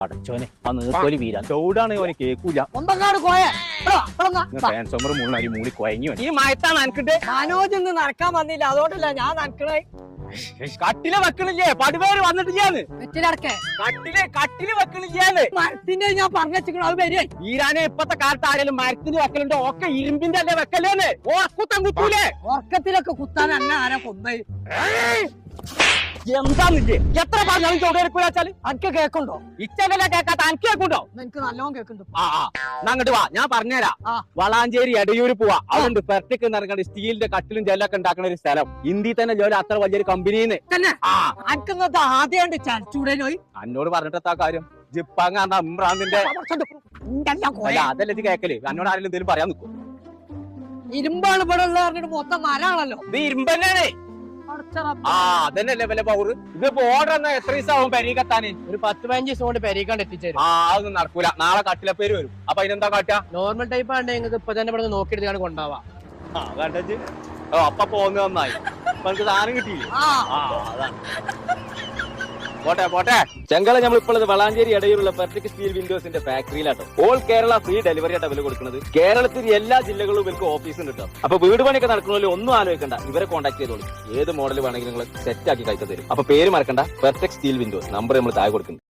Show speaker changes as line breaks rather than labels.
അടച്ചോനെ ആ നീർക്കോലി വീരാൻ ചൂടാണ് ഓനെ കേക്കൂല ട്രാൻസ്ഫോമർ മുള്ളി മൂളി കൊയങ്ങി ഈ മയത്താണ് നനക്കിട്ട്
മനോജ് ഇന്ന് നടക്കാൻ വന്നില്ല അതുകൊണ്ടല്ല ഞാൻ നനക്കണേ.
കട്ടില് വെക്കണില്ലേ പടുപേര് വന്നിട്ടില്ലാന്ന്
വെറ്റിലടക്കേ
കട്ടില് വെക്കണില്ലാന്ന്
മരത്തിന്റെ ഞാൻ പറഞ്ഞിരിക്കണു അത് വരെ
വീരാനെ ഇപ്പത്തെ കാലത്ത് ആരെങ്കിലും മരത്തിന് വെക്കലുണ്ടോ ഒക്കെ ഇരുമ്പിന്റെ അല്ലേ വെക്കലേന്ന് ഓർക്കുത്തം കുത്തൂലേ
ഉറക്കത്തിലൊക്കെ കുത്താൻ അന്ന ആരാ കൊന്നേ
എന്താന്നില്ലേ എത്ര പറഞ്ഞാലും ചോടെടുക്കൂലാച്ചാല്
അനക്ക് കേക്കുണ്ടോ?
ഇച്ചല്ല കേക്കാത്ത അനക്ക് കേക്കുണ്ടോ?
എനിക്ക് നല്ലോണം കേക്കുന്നുണ്ട്.
അങ്ങോട്ട് വാ ഞാൻ പറഞ്ഞുതരാം. വളാഞ്ചേരി എടയൂര് പോവാ അതുകൊണ്ട് പെർട്ടിക്ക് നിറങ്ങേണ്ട സ്റ്റീലിന്റെ കട്ടിലും ജെല്ലൊക്കെ ഉണ്ടാക്കുന്ന ഒരു സ്ഥലം ഇന്ത്യയിൽ തന്നെ ജോലി അത്ര വലിയൊരു കമ്പനിന്ന്
തന്നെ അനക്കുന്നത് ആദ്യം ചരച്ചൂടെ പോയി
എന്നോട് പറഞ്ഞിട്ടെത്താ കാര്യം ജിപ്പാങ് ഇമ്രാന്തിന്റെ അതല്ല ഇത് കേക്കല് എന്നോട് ആരെങ്കിലും എന്തെങ്കിലും പറയാൻ നിൽക്കും.
ഇരുമ്പാണ് ഇവിടെ ഉള്ളത് പറഞ്ഞിട്ട് മൊത്തം മരാണല്ലോ.
ഇത് ഇരുമ്പന്നാണ്. അതന്നെയല്ലേ വല്ല പവർ. ഇതിപ്പോ ഓർഡർ എന്നാ എത്ര ദിവസം ആവും പെരീക്കെത്താന്?
ഒരു 10-15 ദിവസം കൊണ്ട് പെരീക്കാണ്ട് എത്തിച്ചേരും.
അതൊന്നും നടക്കൂല. നാളെ കട്ടിലപ്പേര് വരും. അപ്പൊ അതിനെന്താ കാട്ടാ?
നോർമൽ ടൈപ്പ് ആണെങ്കിൽ നിങ്ങൾക്ക് ഇപ്പൊ തന്നെ ഇവിടെ നോക്കിയെടുത്താണ് കൊണ്ടാവാം.
കണ്ടു അപ്പൊ പോന്ന് നന്നായി. അപ്പൊ എനിക്ക് സാധനം കിട്ടിയില്ലേ? അതാണ്. പോട്ടെ ചെങ്കള നമ്മൾ ഇപ്പോൾ വളാഞ്ചേരി ഇടയിലുള്ള പെർഫെക്റ്റ് സ്റ്റീൽ വിൻഡോസിന്റെ ഫാക്ടറിയിലാട്ടോ. ഓൾ കേരള ഫ്രീ ഡെലിവറി ആയിട്ട് വില കൊടുക്കുന്നത്. കേരളത്തിൽ എല്ലാ ജില്ലകളിലും ഇവർക്ക് ഓഫീസ് ഉണ്ട് കേട്ടോ. അപ്പൊ വീട് പണിയൊക്കെ നടക്കണമല്ലോ ഒന്നും ആലോചിക്കണ്ട, ഇവരെ കോൺടാക്ട് ചെയ്തോളൂ. ഏത് മോഡൽ വേണമെങ്കിലും നിങ്ങൾ സെറ്റ് ആക്കി കഴിച്ചു തരും. അപ്പൊ പേര് മറക്കണ്ട, പെർഫെക്റ്റ് സ്റ്റീൽ വിൻഡോസ്. നമ്പർ നമ്മൾ താഴെ കൊടുക്കുന്നു.